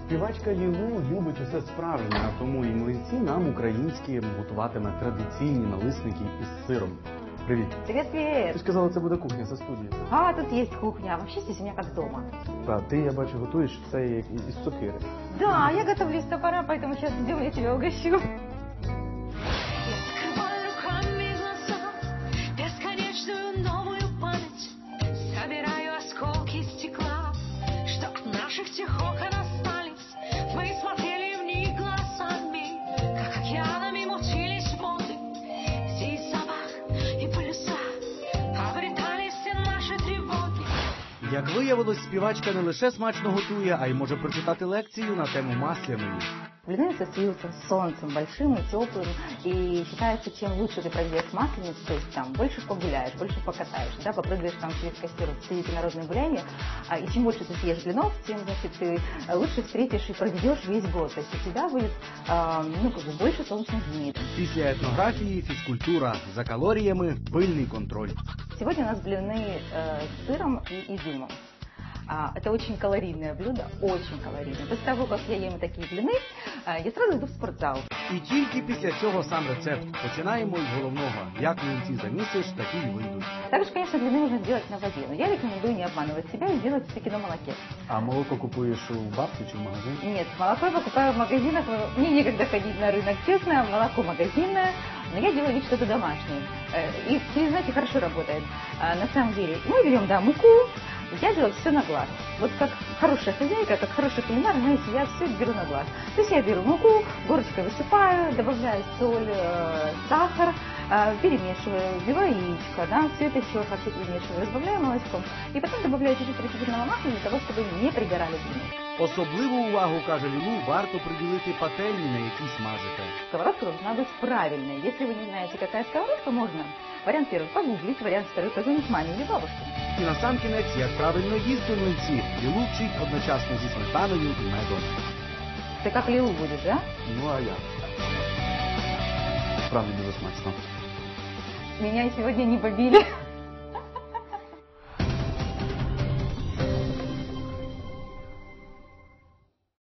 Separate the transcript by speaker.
Speaker 1: Співачка Лілу любить усе справжнє, а тому і млинці нам українські готуватиме традиційні налисники із сиром. Привіт.
Speaker 2: Привет, привет.
Speaker 1: Ти ж казала, це буде кухня за студією.
Speaker 2: А, тут есть кухня. Вообще здесь у меня как дома.
Speaker 1: Та, ти, я бачу, готуєш це із сокири.
Speaker 2: Да, я готовлюсь с топора, поэтому сейчас идем, я тебя угощу.
Speaker 3: Як виявилось, співачка не лише смачно готує, а й може прочитати лекцію на тему масляної.
Speaker 2: Блины ассоциируются с солнцем, большим и теплым. И считается, чем лучше ты проведешь масленицу, то есть там больше погуляешь, больше покатаешь, да, попрыгаешь там через костер, встретите народные гуляния. И чем больше ты съешь блинов, тем, значит, ты лучше встретишь и проведешь весь год. То есть у тебя будет, больше солнечных дней.
Speaker 3: Після етнографії, фізкультура, за калоріями, пильний контроль.
Speaker 2: Сегодня у нас блины с сыром и изюмом. Это очень калорийное блюдо, очень калорийное. После того, как я ем такие блины, я сразу иду в спортзал.
Speaker 3: І тільки після цього сам рецепт. Починаємо із головного. Як млинці замісиш, такі й вийдуть.
Speaker 2: Также, конечно, блины можно сделать на воде, но я рекомендую не обманывать себя и делать все-таки на молоке.
Speaker 1: А молоко купуєш у бабки чи в магазині?
Speaker 2: Нет, молоко я покупаю в магазинах. Мне некогда ходить на рынок, честно, молоко магазинное, но я делаю вид, что это домашнее. И, знаете, хорошо работает. На самом деле, мы берем, да, муку. Я делаю все на глаз. Вот как хорошая хозяйка, как хороший кулинар, знаете, я все беру на глаз. То есть я беру муку, горочкой высыпаю, добавляю соль, сахар, перемешиваю, вбиваю яичко, да, все это еще хорошо перемешиваю, разбавляю молочком. И потом добавляю чуть-чуть растительного масла для того, чтобы не пригорали блины.
Speaker 3: Особливу увагу, каже Лілу, варто приділити пательні, на якій смажите.
Speaker 2: Сковородка должна быть правильной. Если вы не знаете, какая сковородка, можно вариант первый погуглить, вариант второй позвонить маме или бабушке.
Speaker 3: І насамкінець, як правильно їсти млинці, Лілу вчить одночасно зі сметаною і медом.
Speaker 2: Ты как Лилу будешь, да?
Speaker 1: Ну, а я. Справді дуже смачно.
Speaker 2: Меня сегодня не побили.